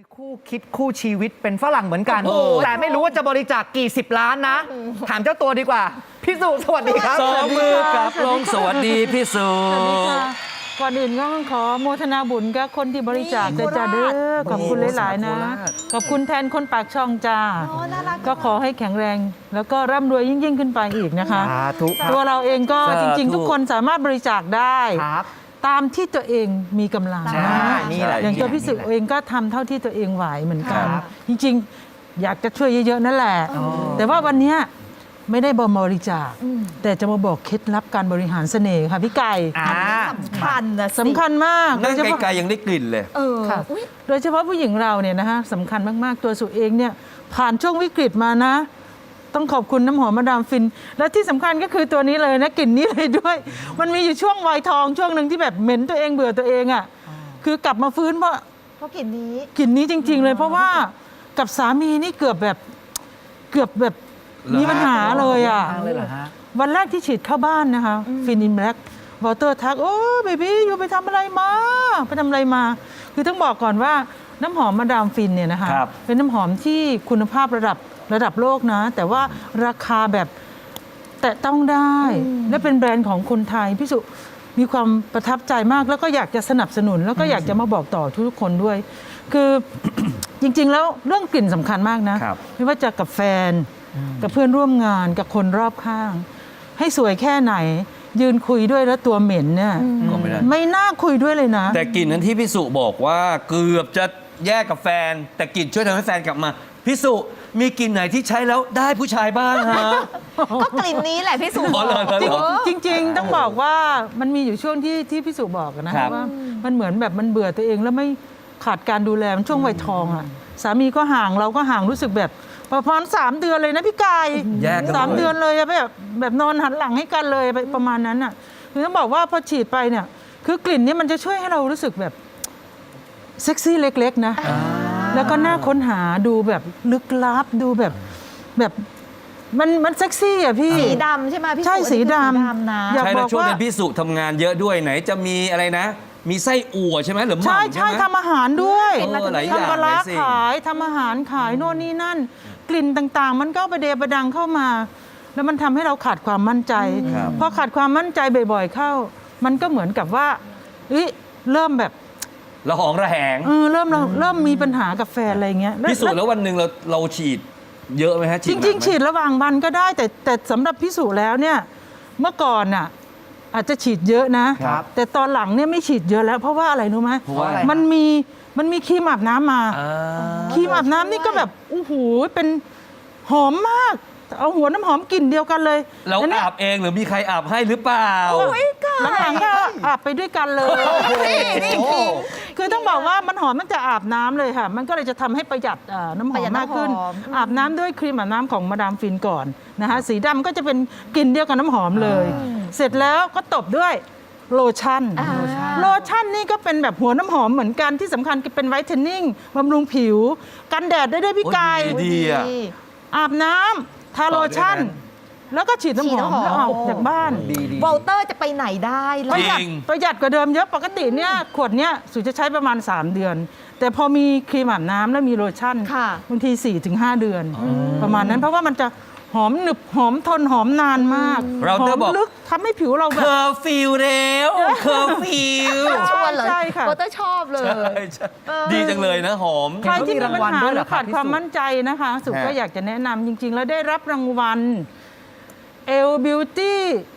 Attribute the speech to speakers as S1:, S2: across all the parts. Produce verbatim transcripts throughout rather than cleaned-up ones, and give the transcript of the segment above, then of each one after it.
S1: คู่คิดคู่ชีวิตเป็นฝรั่งเหมือนกันแต่ไม่รู้ว่าจะบริจาคกี่สิบล้านนะถามเจ้าตัวดีกว่าพี่สุสวัสดีครับ
S2: สองมือกับลงสวัสดีพี่สุ
S3: ก่อนอื่นก็ขอโมทนาบุญกับคนที่บริจาคเลยจ้าเด้อขอบคุณหลายๆนะขอบคุณแทนคนปากช่องจ้าก็ขอให้แข็งแรงแล้วก็ร่ำรวยยิ่งๆขึ้นไปอีกนะคะตัวเราเองก็จริงๆทุกคนสามารถบริจาคได้ตามที่ตัวเองมีกำลังนะอย่างตัวพี่สุเองก็ทำเท่าที่ตัวเองไหวเหมือนกันจริงๆอยากจะช่วยเยอะๆนั่นแหละแต่ว่าวันนี้ไม่ได้บริจาคแต่จะมาบอกเคล็ดลับการบริหารเสน่ห์ค่ะพี่ไก่
S4: สำคัญนะ
S3: สำคัญมาก
S2: นั่งไกลๆยังได้กลิ่นเลย
S3: เออโดยเฉพาะผู้หญิงเราเนี่ยนะคะสำคัญมากๆตัวสุเองเนี่ยผ่านช่วงวิกฤตมานะต้องขอบคุณน้ำหอมมาดามฟินและที่สำคัญก็คือตัวนี้เลยนะกลิ่นนี้เลยด้วยมันมีอยู่ช่วงวัยทองช่วงหนึ่งที่แบบเหม็นตัวเองเบื่อตัวเองอ่ะคือกลับมาฟื้นเพราะ
S4: เพราะกลิ่นนี้
S3: กลิ่นนี้จริงๆเลยเพราะว่ากับสามีนี่เกือบแบบเกือบแบบมีปัญหาเลยอ่ะวันแรกที่ฉีดเข้าบ้านนะคะฟินอินแบล็กวอเตอร์ทักโอ้เบบี้อยู่ไปทำอะไรมาไปทำอะไรมาคือต้องบอกก่อนว่าน้ำหอมมาดามฟินเนี่ยนะคะเป็นน้ำหอมที่คุณภาพระดับระดับโลกนะแต่ว่าราคาแบบแตะต้องได้และเป็นแบรนด์ของคนไทยพี่สุมีความประทับใจมากแล้วก็อยากจะสนับสนุนแล้วก็อยากจะมาบอกต่อทุกคนด้วยคือ จริงๆแล้วเรื่องกลิ่นสำคัญมากนะไม่ว่าจะกับแฟนกับเพื่อนร่วมงานกับคนรอบข้างให้สวยแค่ไหนยืนคุยด้วยแล้วตัวเหม็นเนี่ยไม่น่าคุยด้วยเลยนะ
S2: แต่กลิ่นนั้นที่พี่สุบอกว่าเกือบจะแยกกับแฟนแต่กลิ่นช่วยทำให้แฟนกลับมาพี่สุมีกลิ่นไหนที่ใช้แล้วได้ผู้ชายบ้างฮะ
S4: ก็กลิ่นนี้แหละพี่สุ
S3: จริงจริงๆต้องบอกว่ามันมีอยู่ช่วงที่ที่พี่สุบอกนะว่ามันเหมือนแบบมันเบื่อตัวเองแล้วไม่ขาดการดูแลมันช่วงวัยทองอ่ะสามีก็ห่างเราก็ห่างรู้สึกแบบประมาณสามเดือนเลยนะพี่กายสามเดือนเลยแบบแบบนอนหันหลังให้กันเลยประมาณนั้นอ่ะคือต้องบอกว่าพอฉีดไปเนี่ยคือกลิ่นนี้มันจะช่วยให้เรารู้สึกแบบเซ็กซี่เล็กๆนะแล้วก็น่าค้นหาดูแบบลึกลับดูแบบแบบมันมันเซ็กซี่อ่ะพี่
S4: สีดำใช่ไหมพี่
S3: ใช่สีดำ
S4: นะ
S2: ใช่แล้วช่วงนั้นพี่สุทำงานเยอะด้วยไหนจะมีอะไรนะมีไส้อั่วใช่ไหมหรือหม่ำใช่
S3: ใช่ทำอาหารด้วย
S2: ทำ
S3: ปลาร้าขายทำอาหารขายโน่นนี่นั่นกลิ่นต่างๆมันก็ประเดประดังเข้ามาแล้วมันทำให้เราขาดความมั่นใจพอขาดความมั่นใจบ่อยๆเข้ามันก็เหมือนกับว่าเริ่มแบบ
S2: ระหองระแหง
S3: เออเริ่มเริ่มมีปัญหากับแฟนอะไรเงี้ย
S2: พี่สุแล้ววันหนึ่งเราเราฉีดเยอะไหมฮะ
S3: จริงๆฉีดระหว่างวันก็ได้แต่แต่สำหรับพี่สุแล้วเนี่ยเมื่อก่อนน่ะอาจจะฉีดเยอะนะแต่ตอนหลังเนี่ยไม่ฉีดเยอะแล้วเพราะว่าอะไรรู้ไหมมันมีมันมีครีมอาบน้ำมาครีมอาบน้ำนี่ก็แบบโอ้โหเป็นหอมมากเอาหัวน้ำหอมกลิ่นเดียวกันเลย
S2: เราอาบเองหรือมีใครอาบให้หรือเปล่า
S3: หลังๆก็อาบไปด้วยกันเลยคือต้องบอกว่ามันหอมตั้งแต่อาบน้ำเลยค่ะมันก็เลยจะทำให้ประหยัดน้ำหอมมากขึ้นอาบน้ำด้วยครีมอาบน้ำของมาดามฟินก่อนนะคะสีดำก็จะเป็นกลิ่นเดียวกับน้ำหอมเลยเสร็จแล้วก็ตบด้วยโลชั่นโลชั่นนี่ก็เป็นแบบหัวน้ำหอมเหมือนกันที่สำคัญเป็นไวท์เทนนิ่งบำรุงผิวกันแดดได้ด้วยพี่กายอาบน้ำทาโลชั่นแล้วก็ฉีดน้ำหอมแล้วออกจากบ้าน
S4: วอลเตอร์จะไปไหนได้
S3: ประหยัดประหยัดกว่าเดิมเยอะปกติเนี่ยขวดเนี้ยสุจะใช้ประมาณสามเดือนแต่พอมีครีมอาบน้ำแล้วมีโลชั่นบางที สี่ถึงห้า เดือนประมาณนั้นเพราะว่ามันจะหอมหนึบหอมทนหอมนานมากหอมลึกทำให้ผิวเราแบบ
S2: เคอร์ฟิวแล้วเคอร์ฟิว
S4: ชวนเลยโบเตอร์ชอบเลย
S2: ดีจังเลยนะหอม
S3: ใครที่มีปัญหาหรือขาดความมั่นใจนะคะสุก็อยากจะแนะนำจริงๆแล้วได้รับรางวัล เอล Beauty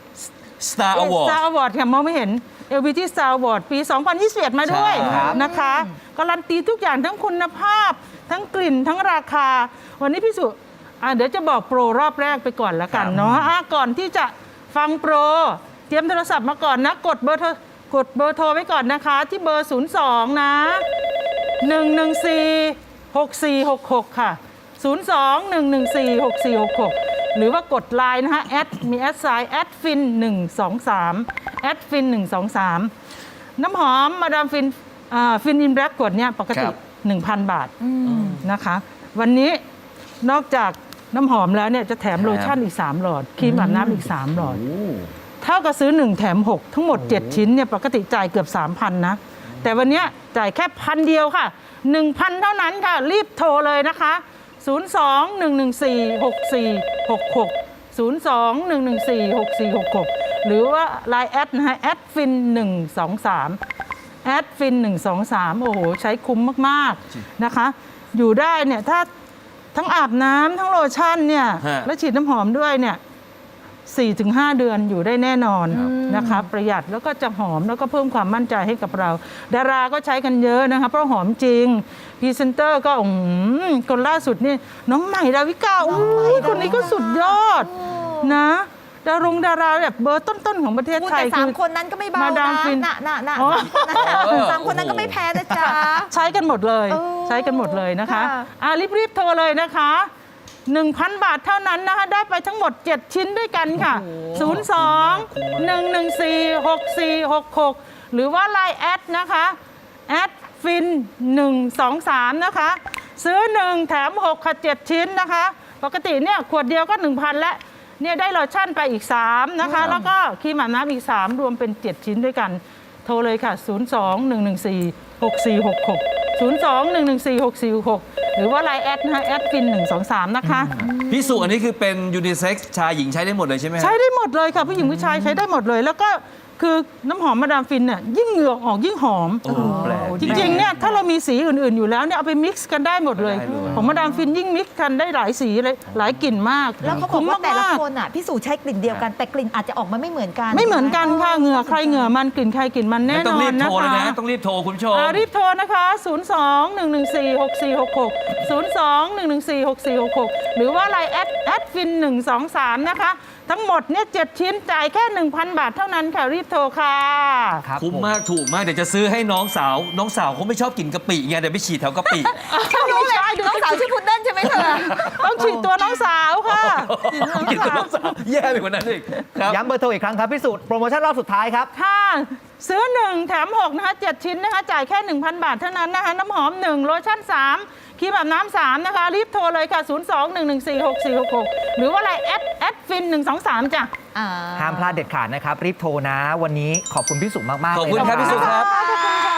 S2: Star Award
S3: Star Award ค่ะมองไม่เห็น เอล Beauty Star Award ปี สองพันยี่สิบเอ็ด มาด้วยนะคะการันตีทุกอย่างทั้งคุณภาพทั้งกลิ่นทั้งราคาวันนี้พี่สุเดี๋ยวจะบอกโปรรอบแรกไปก่อนละกันเนาะก่อนที่จะฟังโปรเตรียมโทรศัพท์มาก่อนนะกดเบอร์โทรกดเบอร์โทรไว้ก่อนนะคะที่เบอร์ศูนย์สองนะหนึ่งหนึ่งสี่ หกสี่หกหกค่ะศูนย์สอง หนึ่งหนึ่งสี่ หกสี่หกหกหรือว่ากดไลน์นะคะแอดมีแอดไซน์แอดฟินหนึ่งสองสามแอดฟินหนึ่งสองสามน้ำหอมมาดามฟินฟินอินแบล็กกดเนี่ยปกติ หนึ่งพัน บาทนะคะวันนี้นอกจากน้ำหอมแล้วเนี่ยจะแถมโลชั่นอีกสามหลอดครีมอาบน้ำอีกสามหลอดเท่ากับซื้อหนึ่งแถมหกทั้งหมดเจ็ดชิ้นเนี่ยปกติจ่ายเกือบ สามพัน นะแต่วันนี้จ่ายแค่พันเดียวค่ะหนึ่งพัน เท่านั้นค่ะ รีบโทรเลยนะคะ ศูนย์ สอง หนึ่ง หนึ่ง สี่ หก สี่ หก หก ศูนย์ สอง หนึ่ง หนึ่ง สี่ หก สี่ หก หก หรือว่า ไลน์ แอดนะฮะแอดฟินหนึ่งสองสามแอดฟินหนึ่งสองสามโอ้โห ใช้คุ้มมาก ๆ นะคะ อยู่ได้เนี่ย ถ้าทั้งอาบน้ำทั้งโลชั่นเนี่ย
S2: ฮะ
S3: และฉีดน้ำหอมด้วยเนี่ย สี่ถึงห้า เดือนอยู่ได้แน่นอนนะคะ ประหยัดแล้วก็จะหอมแล้วก็เพิ่มความมั่นใจให้กับเรา ดาราก็ใช้กันเยอะนะคะเพราะหอมจริงพรีเซนเตอร์ก็อืมคนล่าสุดนี่น้องใหม่ดาวิกาอุ้ยคนนี้ก็สุดยอดนะดารงดาราแบบเบอร์ต้น ๆ ของประเทศ
S4: พูด
S3: ไทย
S4: แต่สามคนนั้นก็ไม่เบา
S3: มาดาม
S4: นะ
S3: ฟิน
S4: น่ะน่ะน่ะ
S3: อ๋อ
S4: สามคนนั้นก็ไม่แพ้นะจ๊ะ
S3: ใช้กันหมดเลย
S4: เออ
S3: ใช้กันหมดเลยนะคะ
S4: ค่ะ
S3: อ่ะรีบ ๆ โทรเลยนะคะ หนึ่งพัน บาทเท่านั้นนะคะ ได้ไปทั้งหมด เจ็ด ชิ้นด้วยกันค่ะ ศูนย์ สอง หนึ่ง หนึ่ง สี่ หก สี่ หก หก หรือว่า ไลน์ แอดนะคะแอดฟินหนึ่งสองสามนะคะ ซื้อ หนึ่ง แถม หก ค่ะ เจ็ด ชิ้นนะคะ ปกติเนี่ยขวดเดียวก็ หนึ่งพัน แล้วเนี่ยได้โลชั่นไปอีก สาม นะคะ แล้วก็ครีมอาบน้ำอีก สาม รวมเป็น เจ็ด ชิ้นด้วยกัน โทรเลยค่ะ ศูนย์ สอง หนึ่ง หนึ่ง สี่ หก สี่ หก หก ศูนย์ สอง หนึ่ง หนึ่ง สี่ หก สี่ หก หก หรือว่า ไลน์ แอดนะคะแอดฟินหนึ่งสองสามนะคะ
S2: พี่สุอันนี้คือเป็นยูนิเซ็กซ์ชายหญิงใช้ได้หมดเลยใช่ไหมฮะ
S3: ใช้ได้หมดเลยค่ะ ผู้หญิงผู้ชายใช้ได้หมดเลย แล้วก็คือน้ำหอมมาดามฟินเนี่ยยิ่งเหงื่อออกยิ่งหอม
S2: โอ้แปลก
S3: จริงๆเนี่ยถ้าเรามีสีอื่นๆอยู่แล้วเนี่ยเอาไปมิกซ์กันได้หมดเลย
S2: ได้เลย
S3: ของมาดามฟินยิ่งมิกซ์กันได้หลายสีเลยหลายกลิ่นมาก
S4: แล้วเขาบอกว่าแต่ละ
S3: มกๆ
S4: คนอ่ะพี่สู่ใช้กลิ่นเดียวกัน แต่กลิ่นอาจจะออกมาไม่เหมือนกัน
S3: ไม่เหมือนกันค่ะเหงื่อใครเหงื่อมันกลิ่นใครกลิ่นมันแน่
S2: ต้
S3: น
S2: อง
S3: อ
S2: รี
S3: น
S2: บ
S3: นะ
S2: โทรเลย
S3: คะ
S2: นะ ต้องรีบโทรคุณผู้ชม
S3: อ่ารีบโทรนะคะ ศูนย์ สอง หนึ่ง หนึ่ง สี่ หก สี่ หก หก ศูนย์ สอง หนึ่ง หนึ่ง สี่ หก สี่ หก หก หรือว่า ไลน์ แอดแอดฟินหนึ่งสองสามนะคะ ทั้งหมดเนี่ยเจ็ดชิ้นจ่ายแค่ หนึ่งพัน บาทเท่านั้นค่ะ รีบโทรค่ะ
S1: ครับ
S2: คุ้ม
S1: ผม
S2: มากถูกมากเดี๋ยวจะซื้อให้น้องสาว น้องสาวเขาไม่ชอบกินกะปิไงเดี๋ยวไปฉีดแถวกะปิ
S4: ฉันรู้เลยน้องสาวชื่อพุดเดิ้ลใช่ไหมเธอ
S3: ต้องฉีดตัวน้องสาวค่ะฉีดตัวน้อง
S2: กินกับ
S3: สา
S2: น้
S3: ว
S2: องสาวแย่ไปกว่านั้นอีกครับ
S1: ย้ำเบอร์โทรอีกครั้งครับพี่สุโปรโมชั่นรอบสุดท้ายครับ
S3: ค่ะ ซื้อ 1 แถม หก นะคะเจ็ดชิ้นนะคะ จ่ายแค่ หนึ่งพัน บาทเท่านั้นนะคะ น้ำหอม หนึ่ง โลชั่น สาม ครีมอาบน้ำ สาม นะคะ รีบโทรเลยค่ะ ศูนย์ สอง หนึ่ง หนึ่ง สี่ หก สี่ หก หก หรือว่า ไลน์ แอดแอดฟินหนึ่งสองสามจ้ะ
S4: อ่า
S1: ห้ามพลาดเด็ดขาดนะครับ รีบโทรนะ วันนี้ขอบคุณพี่สุมากๆ
S2: ขอบ
S1: เลย
S2: คุณ
S1: นะครับ
S2: พี่สุครับ
S3: ขอบคุณค่ะ